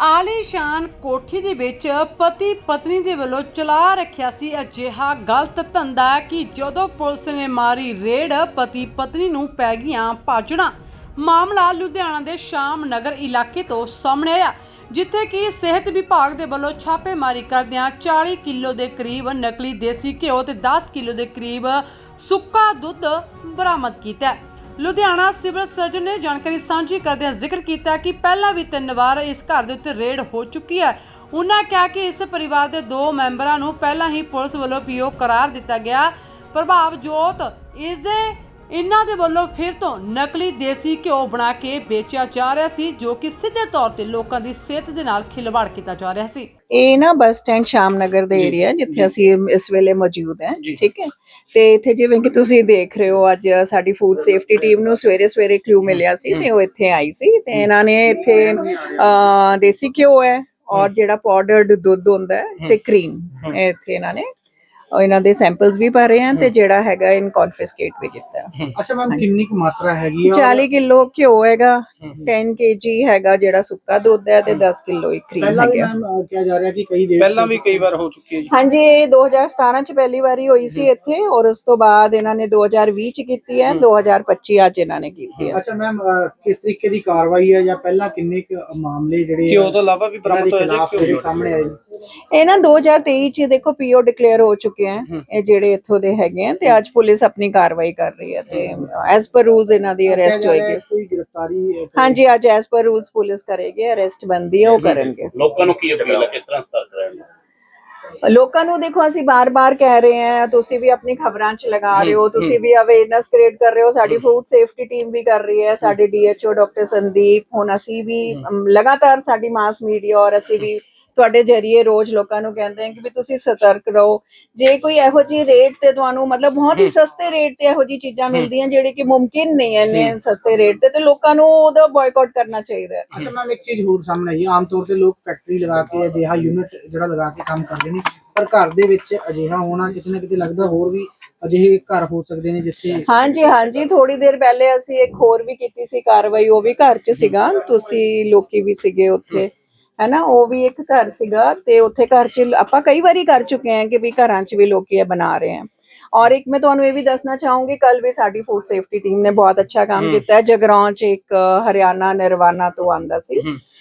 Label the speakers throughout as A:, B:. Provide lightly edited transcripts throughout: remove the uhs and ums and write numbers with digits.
A: ਆਲੀਸ਼ਾਨ ਕੋਠੀ ਦੇ ਵਿੱਚ ਪਤੀ ਪਤਨੀ ਦੇ ਵੱਲੋਂ ਚਲਾ ਰੱਖਿਆ ਸੀ ਅਜਿਹਾ ਗਲਤ ਧੰਦਾ ਕਿ ਜਦੋਂ ਪੁਲਿਸ ਨੇ ਮਾਰੀ ਰੇਡ ਪਤੀ ਪਤਨੀ ਨੂੰ ਪੈ ਗਈਆਂ ਭਾਜੜਾਂ। ਮਾਮਲਾ ਲੁਧਿਆਣਾ ਦੇ ਸ਼ਾਮ ਨਗਰ ਇਲਾਕੇ ਤੋਂ ਸਾਹਮਣੇ ਆਇਆ, ਜਿੱਥੇ ਕਿ ਸਿਹਤ ਵਿਭਾਗ ਦੇ ਵੱਲੋਂ ਛਾਪੇਮਾਰੀ ਕਰਦਿਆਂ 40 ਕਿਲੋ ਦੇ ਕਰੀਬ ਨਕਲੀ ਦੇਸੀ ਘਿਓ ਤੇ 10 ਕਿਲੋ ਦੇ ਕਰੀਬ ਸੁੱਕਾ ਦੁੱਧ ਬਰਾਮਦ ਕੀਤਾ। ਲੁਧਿਆਣਾ ਸਿਵਲ ਸਰਜਨ ਨੇ ਜਾਣਕਾਰੀ ਸਾਂਝੀ ਕਰਦਿਆਂ ਜ਼ਿਕਰ ਕੀਤਾ ਕਿ ਪਹਿਲਾਂ ਵੀ 3 ਵਾਰ ਇਸ ਘਰ ਦੇ ਉੱਤੇ ਰੇਡ ਹੋ ਚੁੱਕੀ ਹੈ। ਉਹਨਾਂ ਕਿਹਾ ਕਿ ਇਸ ਪਰਿਵਾਰ ਦੇ 2 ਮੈਂਬਰਾਂ ਨੂੰ ਪਹਿਲਾਂ ਹੀ ਪੁਲਿਸ ਵੱਲੋਂ ਪੀਓ ਕਰਾਰ ਦਿੱਤਾ ਗਿਆ। ਪ੍ਰਭਾਵਜੋਤ ਇਹਨਾਂ ਦੇ ਵੱਲੋਂ ਫਿਰ ਤੋਂ ਨਕਲੀ ਦੇਸੀ ਘਿਓ ਬਣਾ ਕੇ ਵੇਚਿਆ ਜਾ ਰਿਹਾ ਸੀ, ਜੋ ਕਿ ਸਿੱਧੇ ਤੌਰ ਤੇ ਲੋਕਾਂ ਦੀ ਸਿਹਤ ਦੇ ਨਾਲ ਖਿਲਵਾੜ ਕੀਤਾ ਜਾ ਰਿਹਾ ਸੀ।
B: ਇਹ ਨਾ ਬੱਸ ਸਟੈਂਡ ਸ਼ਾਮ ਨਗਰ ਦੇ ਏਰੀਆ ਜਿੱਥੇ ਅਸੀਂ ਇਸ ਵੇਲੇ ਮੌਜੂਦ ਹਾਂ, ਠੀਕ ਹੈ। ਤੇ ਇੱਥੇ ਜਿਵੇਂ ਕਿ ਤੁਸੀਂ ਦੇਖ ਰਹੇ ਹੋ, ਅੱਜ ਸਾਡੀ ਫੂਡ ਸੇਫਟੀ ਟੀਮ ਨੂੰ ਸਵੇਰੇ ਕਲੂ ਮਿਲਿਆ ਸੀ ਤੇ ਉਹ ਇੱਥੇ ਆਈ ਸੀ ਤੇ ਇਹਨਾਂ ਨੇ ਇੱਥੇ ਦੇਸੀ ਘਿਓ ਹੈ ਔਰ ਜਿਹੜਾ ਪਾਊਡਰਡ ਦੁੱਧ ਹੁੰਦਾ ਹੈ ਤੇ ਕਰੀਮ ਇੱਥੇ ਇਹਨਾਂ ਨੇ ਇਹਨਾਂ ਦੇ ਸੈਂਪਲਸ ਵੀ ਭਰੇ ਆ ਤੇ ਜਿਹੜਾ ਹੈਗਾ ਇਨ ਕਨਫਿਸਕੇਟ ਵੀ ਕੀਤਾ।
C: ਅੱਛਾ ਮੈਮ, ਕਿੰਨੀ ਕੁ ਮਾਤਰਾ ਹੈਗੀ ਆ?
B: 40 ਕਿਲੋ ਘਿਓ ਹੈਗਾ, 10 kg ਹੈਗਾ ਜਿਹੜਾ ਸੁੱਕਾ ਦੁੱਧ ਹੈ ਤੇ 10 ਕਿਲੋ ਇੱਕ ਕਰੀਮ ਹੈਗਾ।
C: ਪਹਿਲਾਂ ਮੈਮ ਕਿਹਾ ਜਾ ਰਿਹਾ ਕਿ ਪਹਿਲਾਂ ਵੀ ਕਈ ਵਾਰ ਹੋ ਚੁੱਕੀ ਹੈ ਜੀ।
B: ਹਾਂਜੀ, ਇਹ 2017 ਚ ਪਹਿਲੀ ਵਾਰੀ ਹੋਈ ਸੀ ਇੱਥੇ ਔਰ ਉਸ ਤੋਂ ਬਾਅਦ ਇਹਨਾਂ ਨੇ 2020 ਚ ਕੀਤੀ ਹੈ, 2025 ਅੱਜ ਇਹਨਾਂ ਨੇ ਕੀਤੀ ਹੈ।
C: ਅੱਛਾ ਮੈਮ, ਕਿਸ ਤਰੀਕੇ ਦੀ ਕਾਰਵਾਈ ਹੈ ਜਾਂ ਪਹਿਲਾਂ ਕਿੰਨੇ ਕੁ ਮਾਮਲੇ ਜਿਹੜੇ ਘਿਓ ਤੋਂ ਇਲਾਵਾ ਵੀ ਬਰਾਮਦ ਹੋਏ ਜੀ ਸਾਹਮਣੇ ਆਏ?
B: ਇਹ ਨਾ 2023 ਚ ਦੇਖੋ ਪੀਓ ਡਿਕਲੇਅਰ ਹੋ ਚੁੱਕੇ ਇਹ ਜਿਹੜੇ ਇੱਥੋਂ ਦੇ ਹੈਗੇ ਆ ਤੇ ਅੱਜ ਪੁਲਿਸ ਆਪਣੀ ਕਾਰਵਾਈ ਕਰ ਰਹੀ ਹੈ ਤੇ ਐਸ ਪਰ ਰੂਲਸ ਇਹਨਾਂ ਦੀ ਅਰੈਸਟ ਹੋਏਗੀ।
C: ਕੋਈ ਗ੍ਰਿਫਤਾਰੀ?
B: ਹਾਂਜੀ, ਅੱਜ ਐਸ ਪਰ ਰੂਲਸ ਪੁਲਿਸ ਕਰੇਗੀ, ਅਰੈਸਟ ਬੰਦੀ ਹੈ ਉਹ ਕਰਨਗੇ।
D: ਲੋਕਾਂ ਨੂੰ ਕੀ ਅਪੀਲ ਹੈ, ਕਿਸ ਤਰ੍ਹਾਂ ਸਤਰਕ ਰਹਿਣ?
B: ਲੋਕਾਂ ਨੂੰ ਦੇਖੋ, ਅਸੀਂ ਬਾਰ-ਬਾਰ ਕਹਿ ਰਹੇ ਹਾਂ, ਤੁਸੀਂ ਵੀ ਆਪਣੀ ਖਬਰਾਂ 'ਚ ਲਗਾ ਰਹੇ ਹੋ, ਤੁਸੀਂ ਵੀ ਅਵੇਅਰਨੈਸ ਕ੍ਰੀਏਟ ਕਰ ਰਹੇ ਹੋ, ਸਾਡੀ ਫੂਡ ਸੇਫਟੀ ਟੀਮ ਵੀ ਕਰ ਰਹੀ ਹੈ, ਸਾਡੇ ਡੀਐਚਓ ਡਾਕਟਰ ਸੰਦੀਪ, ਹੁਣ ਅਸੀਂ ਵੀ ਲਗਾਤਾਰ ਸਾਡੀ ਮਾਸ ਮੀਡੀਆ ਔਰ ਅਸੀਂ ਵੀ ਤੁਹਾਡੇ ਜਰੀਏ ਰੋਜ਼ ਲੋਕਾਂ ਨੂੰ ਕਹਿੰਦੇ ਹਾਂ ਕਿ ਵੀ ਤੁਸੀਂ ਸਤਰਕ ਰਹੋ। ਜੇ ਕੋਈ ਇਹੋ ਜਿਹੀ ਰੇਟ ਤੇ ਤੁਹਾਨੂੰ ਮਤਲਬ ਬਹੁਤ ਹੀ ਸਸਤੇ ਰੇਟ ਤੇ ਇਹੋ ਜਿਹੀ ਚੀਜ਼ਾਂ ਮਿਲਦੀਆਂ ਜਿਹੜੀ ਕਿ ਮੁਮਕਿਨ ਨਹੀਂ ਹੈ ਇੰਨੇ ਸਸਤੇ ਰੇਟ ਤੇ ਲੋਕਾਂ ਨੂੰ ਉਹਦਾ ਬਾਇਕਾਟ ਕਰਨਾ ਚਾਹੀਦਾ ਹੈ।
C: ਅੱਛਾ ਮੈਮ, ਇੱਕ ਚੀਜ਼ ਹੋਰ ਸਾਹਮਣੇ ਆਈ ਹੈ, ਆਮ ਤੌਰ ਤੇ ਲੋਕ ਫੈਕਟਰੀ ਲਗਾ ਕੇ ਅਜਿਹਾ ਯੂਨਿਟ ਜਿਹੜਾ ਲਗਾ ਕੇ ਕੰਮ ਕਰਦੇ ਨੇ, ਪਰ ਘਰ ਦੇ ਵਿੱਚ ਅਜਿਹਾ ਹੋਣਾ ਕਿਤੇ ਨਾ ਕਿਤੇ ਲੱਗਦਾ ਹੋਰ ਵੀ ਅਜਿਹੇ ਘਰ ਹੋ ਸਕਦੇ ਨੇ ਜਿੱਥੇ। ਹਾਂਜੀ, ਥੋੜੀ ਦੇਰ ਪਹਿਲੇ ਅਸੀਂ ਇੱਕ ਹੋਰ ਵੀ ਕੀਤੀ ਸੀ ਕਾਰਵਾਈ, ਉਹ ਵੀ ਘਰ 'ਚ ਸੀਗਾ, ਤੁਸੀਂ ਲੋਕੀ ਵੀ ਸੀਗੇ ਉੱਥੇ, ਹੈ ਨਾ। ਉਹ ਵੀ ਇੱਕ ਘਰ ਸੀਗਾ ਤੇ ਉੱਥੇ ਘਰ 'ਚ ਆਪਾਂ ਕਈ ਵਾਰੀ ਕਰ ਚੁੱਕੇ ਹਾਂ ਕਿ ਵੀ ਘਰਾਂ 'ਚ ਵੀ ਲੋਕੀ ਇਹ ਬਣਾ ਰਹੇ ਹਨ। ਔਰ ਇੱਕ ਮੈਂ ਤੁਹਾਨੂੰ ਇਹ ਵੀ ਦੱਸਣਾ ਚਾਹੂੰਗੀ, ਕੱਲ ਵੀ ਸਾਡੀ ਫੂਡ ਸੇਫਟੀ ਟੀਮ ਨੇ ਬਹੁਤ ਅੱਛਾ ਕੰਮ ਕੀਤਾ ਹੈ। ਜਗਰਾਉਂ 'ਚ ਇੱਕ ਹਰਿਆਣਾ ਨਿਰਵਾਣਾ ਤੋਂ ਆਂਦਾ ਸੀ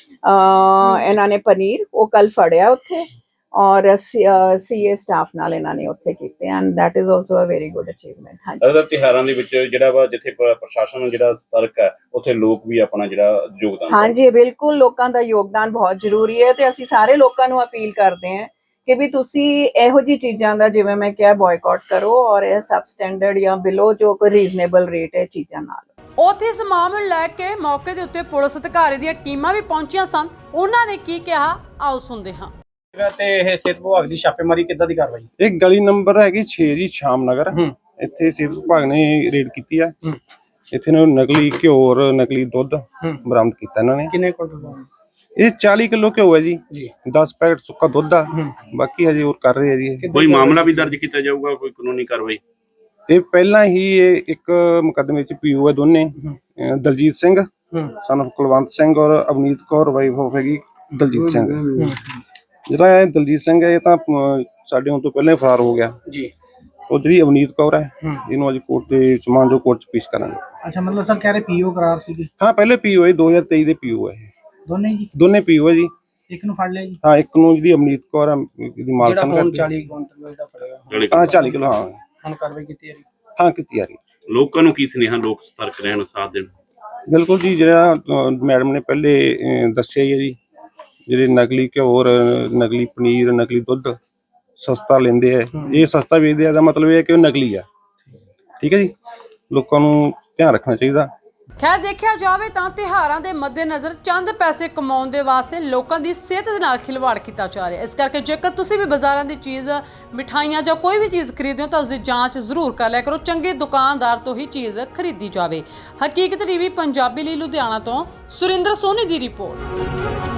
C: ਇਹਨਾਂ ਨੇ ਪਨੀਰ, ਉਹ ਕੱਲ ਫੜਿਆ ਉੱਥੇ ਔਰ ਸੀਏ ਸਟਾਫ ਨਾਲ ਇਹਨਾਂ ਨੇ ਉੱਥੇ ਕੀਤੇ and that is also a very good achievement. ਹਾਂਜੀ,
D: ਤਿਉਹਾਰਾਂ ਦੇ ਵਿੱਚ ਜਿਹੜਾ ਵਾ ਜਿੱਥੇ ਪ੍ਰਸ਼ਾਸਨ ਜਿਹੜਾ ਸਤਰਕ ਹੈ ਉੱਥੇ ਲੋਕ ਵੀ ਆਪਣਾ ਜਿਹੜਾ ਯੋਗਦਾਨ।
B: ਹਾਂਜੀ, ਬਿਲਕੁਲ, ਲੋਕਾਂ ਦਾ ਯੋਗਦਾਨ ਬਹੁਤ ਜ਼ਰੂਰੀ ਹੈ ਤੇ ਅਸੀਂ ਸਾਰੇ ਲੋਕਾਂ ਨੂੰ ਅਪੀਲ ਕਰਦੇ ਹਾਂ ਕਿ ਵੀ ਤੁਸੀਂ ਇਹੋ ਜਿਹੀ ਚੀਜ਼ਾਂ ਦਾ, ਜਿਵੇਂ ਮੈਂ ਕਿਹਾ, ਬਾਇਕਾਟ ਕਰੋ ਔਰ ਇਹ ਸਬ ਸਟੈਂਡਰਡ ਜਾਂ ਬਿਲੋ ਜੋ ਕੋਈ ਰੀਜ਼ਨੇਬਲ ਰੇਟ ਹੈ ਚੀਜ਼ਾਂ ਨਾਲ।
A: ਉੱਥੇ ਇਸ ਮਾਮਲੇ ਲੈ ਕੇ ਮੌਕੇ ਦੇ ਉੱਤੇ ਪੁਲਿਸ ਅਧਿਕਾਰੀ ਦੀਆਂ ਟੀਮਾਂ ਵੀ ਪਹੁੰਚੀਆਂ ਸਨ। ਉਹਨਾਂ ਨੇ ਕੀ ਕਿਹਾ, ਆਓ ਸੁਣਦੇ ਹਾਂ।
C: ਤੇ ਇਹ ਸਿਹਤ ਵਿਭਾਗ ਦੀ ਛਾਪੇਮਾਰੀ ਕਿੱਦਾਂ ਦੀ ਕਾਰਵਾਈ?
E: ਇਹ ਗਲੀ ਨੰਬਰ ਹੈਗੀ 6 ਜੀ, ਸ਼ਾਮ ਨਗਰ। ਇੱਥੇ ਸਿਹਤ ਵਿਭਾਗ ਨੇ ਰੇਡ ਕੀਤੀ ਆ। ਇੱਥੇ ਨਕਲੀ ਘਿਓ ਔਰ ਨਕਲੀ ਦੁੱਧ ਬਰਾਮਦ ਕੀਤਾ ਇਹਨਾਂ ਨੇ।
C: ਕਿੰਨੇ ਕੁਇੰਟਲ?
E: ਇਹ 40 ਕਿਲੋ ਘਿਓ ਹੈ ਜੀ, 10 ਪੈਕਟ ਸੁੱਕਾ ਦੁੱਧ ਆ, ਬਾਕੀ ਹਜੇ ਹੋਰ ਕਰ ਰਹੇ ਆ ਜੀ।
D: ਕੋਈ ਮਾਮਲਾ ਵੀ ਦਰਜ ਕੀਤਾ ਜਾਊਗਾ, ਕੋਈ ਕਾਨੂੰਨੀ ਕਾਰਵਾਈ?
E: ਇਹ ਪਹਿਲਾਂ ਹੀ ਇਹ ਇੱਕ ਮੁਕੱਦਮੇ ਚ ਪੀਓ ਹੈ ਦੋਨੇ, ਦਲਜੀਤ ਸਿੰਘ ਸਨ ਆਫ ਕੁਲਵੰਤ ਸਿੰਘ ਔਰ ਅਵਨੀਤ ਕੌਰ ਵਾਈਫ ਆਫ ਹੈਗੀ ਦਲਜੀਤ ਸਿੰਘ। ਜਿਹੜਾ ਇਹ ਦਲਜੀਤ ਸਿੰਘ ਹੈ ਇਹ ਤਾਂ ਸਾਡੇ ਹੁਣ ਤੋਂ ਪਹਿਲਾਂ ਹੀ ਫਰਾਰ ਹੋ ਗਿਆ ਜੀ। ਉਧਰ ਅਵਨੀਤ ਕੌਰ ਹੈ, ਇਹਨੂੰ ਅੱਜ ਕੋਰਟ ਦੇ ਸਮਾਨ ਜੋ ਕੋਰਟ ਚ ਪੇਸ਼ ਕਰਾਂਗੇ।
C: ਅੱਛਾ, ਮਤਲਬ ਸਰ ਕਹਿ ਰਹੇ ਪੀਓ ਕਰਾਰ ਸੀਗੇ?
E: ਹਾਂ, ਪਹਿਲੇ ਪੀਓ ਹੈ, 2023 ਦੇ ਪੀਓ ਹੈ।
C: ਦੋਨੇ ਜੀ?
E: ਦੋਨੇ ਪੀਓ ਹੈ ਜੀ।
C: ਇੱਕ ਨੂੰ ਫੜ ਲਿਆ ਜੀ?
E: ਹਾਂ, ਇੱਕ ਨੂੰ ਜਿਹਦੀ ਅਵਨੀਤ ਕੌਰ ਹੈ ਇਹਦੀ ਮਾਲਕਨ ਕਰਦੀ।
C: 40 ਕੁਇੰਟਲ ਜਿਹੜਾ ਫੜਿਆ?
E: ਹਾਂ, 40 ਕਿਲੋ। ਹਾਂ,
C: ਹੁਣ ਕਾਰਵਾਈ ਕੀਤੀ ਜਾ ਰਹੀ?
E: ਹਾਂ, ਕੀਤੀ ਜਾ ਰਹੀ।
D: ਲੋਕਾਂ ਨੂੰ ਕੀ ਸੁਨੇਹਾ, ਲੋਕ ਸਤਰਕ ਰਹਿਣ, ਸਾਥ ਦੇਣ? ਬਿਲਕੁਲ
E: ਜੀ, ਜਿਹੜਾ ਮੈਡਮ ਨੇ ਪਹਿਲੇ ਦੱਸਿਆ ਹੀ ਹੈ ਜੀ, ਜਿਹੜੇ ਨਕਲੀ ਘਿਓ ਔਰ ਨਕਲੀ ਪਨੀਰ, ਨਕਲੀ ਦੁੱਧ ਸਸਤਾ ਲੈਂਦੇ ਆ, ਇਹ ਸਸਤਾ ਵੇਚਦੇ ਆ, ਦਾ ਮਤਲਬ ਇਹ ਹੈ ਕਿ ਉਹ ਨਕਲੀ ਆ। ਠੀਕ ਹੈ ਜੀ, ਲੋਕਾਂ ਨੂੰ ਧਿਆਨ ਰੱਖਣਾ ਚਾਹੀਦਾ।
A: ਖੈਰ, ਦੇਖਿਆ ਜਾਵੇ ਤਾਂ ਤਿਉਹਾਰਾਂ ਦੇ ਮੱਦੇਨਜ਼ਰ ਚੰਦ ਪੈਸੇ ਕਮਾਉਣ ਦੇ ਵਾਸਤੇ ਲੋਕਾਂ ਦੀ ਸਿਹਤ ਦੇ ਨਾਲ ਖਿਲਵਾੜ ਕੀਤਾ ਜਾ ਰਿਹਾ ਹੈ। ਇਸ ਕਰਕੇ ਜੇਕਰ ਤੁਸੀਂ ਵੀ ਬਾਜ਼ਾਰਾਂ ਦੀ ਚੀਜ਼, ਮਿਠਾਈਆਂ ਜਾਂ ਕੋਈ ਵੀ ਚੀਜ਼ ਖਰੀਦਦੇ ਹੋ ਤਾਂ ਉਸਦੀ ਜਾਂਚ ਜ਼ਰੂਰ ਕਰ ਲਿਆ ਕਰੋ। ਚੰਗੇ ਦੁਕਾਨਦਾਰ ਤੋਂ ਹੀ ਚੀਜ਼ ਖਰੀਦੀ ਜਾਵੇ। ਹਕੀਕਤ ਟੀਵੀ ਪੰਜਾਬੀ ਲਈ ਲੁਧਿਆਣਾ ਤੋਂ ਸੁਰਿੰਦਰ ਸੋਨੀ ਦੀ ਰਿਪੋਰਟ।